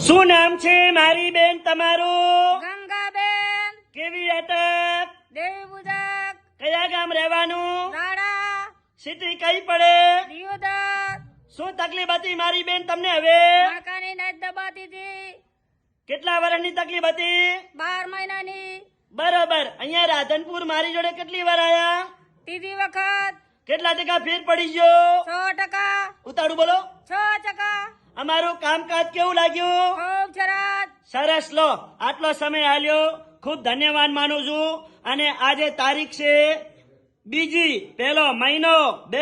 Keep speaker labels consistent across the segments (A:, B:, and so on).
A: શું નામ છે મારી બેન તમારું?
B: ગંગાબેન
A: કેવી અટક?
B: દેવી પૂજક
A: કયા ગામ રહેવાનું?
B: રાડા
A: સિટી કઈ પડે?
B: દિયોદર
A: શું તકલીફ હતી મારી બેન તમને હવે?
B: મણકાની નસ દબાતી હતી
A: કેટલા વર્ષની તકલીફ હતી?
B: 12 મહિનાની
A: બરોબર. અહીંયા રાધનપુર મારી જોડે કેટલી વાર આયા?
B: ત્રીજી વખત
A: કેટલા ટકા ફેર પડી ગયો?
B: 100%.
A: ઉતાળું બોલો.
B: 6%.
A: અમારું કામકાજ કેવું લાગ્યું?
B: ખૂબ સરસ.
A: સરસ. લો આટલો સમય આલ્યો, ખૂબ ધન્યવાદ માનું છું. અને આજે તારીખ છે 2 પહેલો મહિનો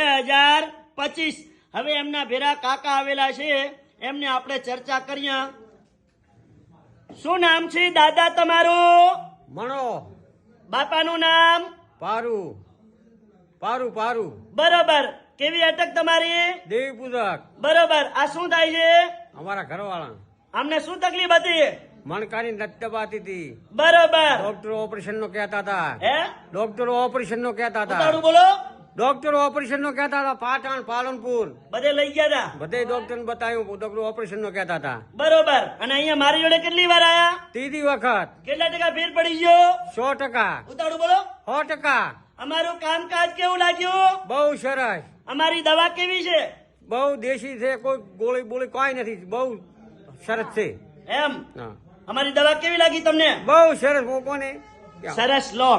A: 2025. હવે એમના ભેરા કાકા આવેલા છે, એમને આપણે ચર્ચા કરીએ. શું નામ છે દાદા તમારું?
C: મણો
A: બાપાનું નામ?
C: પારું પારું પારું
A: બરોબર. કેવી અટક તમારી?
C: દેવી પૂજક
A: બરોબર. આ શું થાય છે?
C: અમારા ઘરવાળા
A: અમને શું તકલીફ હતી?
C: મણકાની નસ દબાતી હતી.
A: બરોબર.
C: ડોક્ટરો ઓપરેશન નો કહેતા હતા.
A: હે?
C: ડોક્ટરો ઓપરેશન નો કહેતા હતા.
A: ઉતાળું બોલો.
C: ડોક્ટરો ઓપરેશન નો કહેતા હતા. પાટણ પાલનપુર
A: બધે લઈ ગયા હતા.
C: બધે ડોક્ટર ને બતાવ્યું. ડોક્ટરો ઓપરેશન નો કહેતા હતા.
A: બરોબર. અને અહીંયા મારી જોડે કેટલી વાર આયા?
C: ત્રીજી વખત
A: કેટલા ટકા ફેર પડી ગયો?
C: 100%.
A: ઉતાળું બોલો.
C: 100%.
A: અમારું કામકાજ કેવું લાગ્યું?
C: બહુ સરસ.
A: અમારી દવા કેવી છે?
C: બહુ દેશી છે. કોઈ ગોળી બોળી કોઈ નથી. બહુ સરસ છે.
A: એમ
C: હા.
A: અમારી દવા કેવી લાગી તમને?
C: બહુ સરસ. કોને
A: સરસ. લો.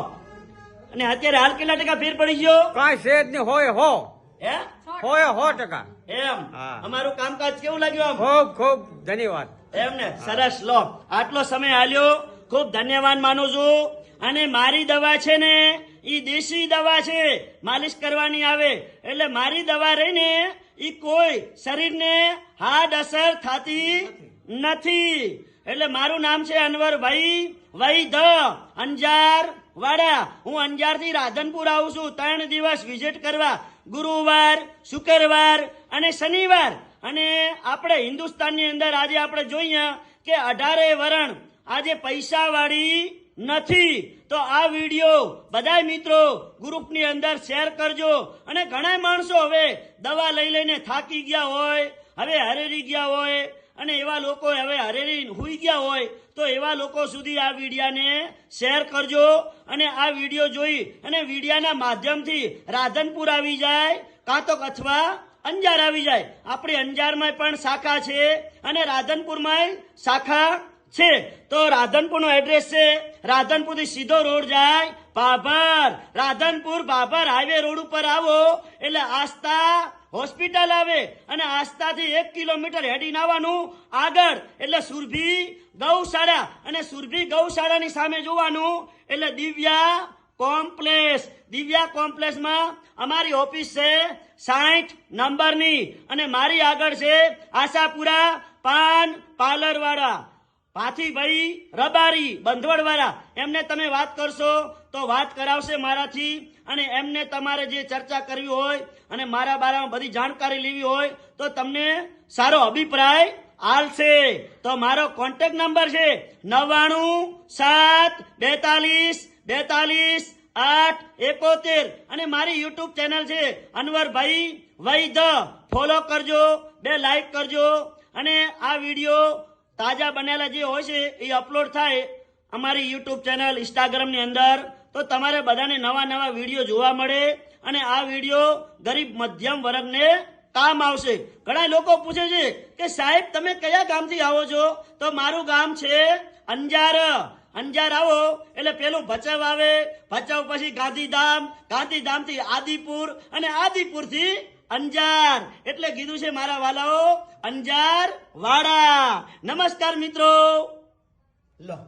A: અને અત્યારે હાલ કેટલા ટકા ફેર પડી ગયો?
C: કાંઈ છે જ નહીં. હોય હો
A: હે?
C: હોય 100%.
A: એમ
C: હા.
A: અમારું કામકાજ કેવું લાગ્યું આમ?
C: ખૂબ ખૂબ ધન્યવાદ.
A: એમ ને? સરસ. લો આટલો સમય આલ્યો, ખૂબ ધન્યવાદ માનું છું. અને મારી દવા છે ને ઈ દેશી દવા છે, માલિશ કરવાની આવે. એટલે મારી દવા રહીને ઈ કોઈ શરીરને હાર્ડ અસર થતી નથી. એટલે મારું નામ છે અનવરભાઈ વૈદ, અંજાર વાડા. હું અંજારથી રાધનપુર આવું છું 3 દિવસ વિઝિટ કરવા, ગુરુવાર, શુક્રવાર અને શનિવાર. અને આપણે હિન્દુસ્તાનની અંદર આજે આપણે જોઈએ કે 18 વરણ આજે પૈસા વાળી નથી. તો આ વિડીયો બધા મિત્રો ગ્રુપની અંદર શેર કરજો. અને ઘણા માણસો હવે દવા લઈ લઈને થાકી ગયા હોય, હવે હરેરી ગયા હોય, અને એવા લોકો હવે હરેરી હુઈ ગયા હોય, તો એવા લોકો સુધી આ વિડીયાને શેર કરજો. અને આ વિડીયો જોઈ અને વિડીયાના માધ્યમથી રાધનપુર આવી જાય, કાં તો અથવા અંજાર આવી જાય. આપણી અંજારમાં પણ શાખા છે અને રાધનપુરમાં શાખા છે. તો રાધનપુરનો એડ્રેસ છે, રાધનપુરથી સીધો રોડ જાય ભાભર. રાધનપુર ભાભર હાઈવે રોડ ઉપર આવો એટલે આસ્થા હોસ્પિટલ આવે. અને આસ્થાથી 1 કિલોમીટર હેડીને આવવાનું આગળ એટલે સુરભી ગૌશાળા. અને સુરભી ગૌશાળાની સામે જોવાનું એટલે દિવ્યા કોમ્પ્લેક્સ. દિવ્યા કોમ્પ્લેક્સમાં અમારી ઓફિસ છે 60 નંબરની. અને મારી આગળ છે આશાપુરા પાન પાર્લર વાળા ભાથીભાઈ રબારી બંધવડ વાળા. એમને તમે વાત કરશો તો વાત કરાવશે મારાથી. અને એમને તમારે જે ચર્ચા કરવી હોય અને મારા બારામાં બધી જાણકારી લેવી હોય તો તમને સારો અભિપ્રાય આલશે. તો મારો કોન્ટેક્ટ નંબર છે 9972422871. અને મારી યુટ્યુબ ચેનલ છે અનવરભાઈ વૈદ. ફોલો કરજો, 2 લાઈક કરજો. અને આ વિડીયો તાજા બનેલા જે હોય છે એ અપલોડ થાય અમારી યુટ્યુબ ચેનલ ઇન્સ્ટાગ્રામની અંદર. તો તમારે બધાને નવા નવા વિડીયો જોવા મળે. અને આ વિડીયો ગરીબ મધ્યમ વર્ગને કામ આવશે. ઘણા લોકો પૂછે છે કે સાહેબ તમે કયા ગામથી આવો છો? તો મારું ગામ છે અંજાર. અંજાર આવો એટલે પેલું ભચાઉ આવે, ભચાઉ પછી ગાંધીધામ, ગાંધીધામથી આદિપુર, અને આદિપુરથી અંજાર. એટલે કીધું છે મારા વાલાઓ અંજાર વાડા. નમસ્કાર મિત્રો. લો.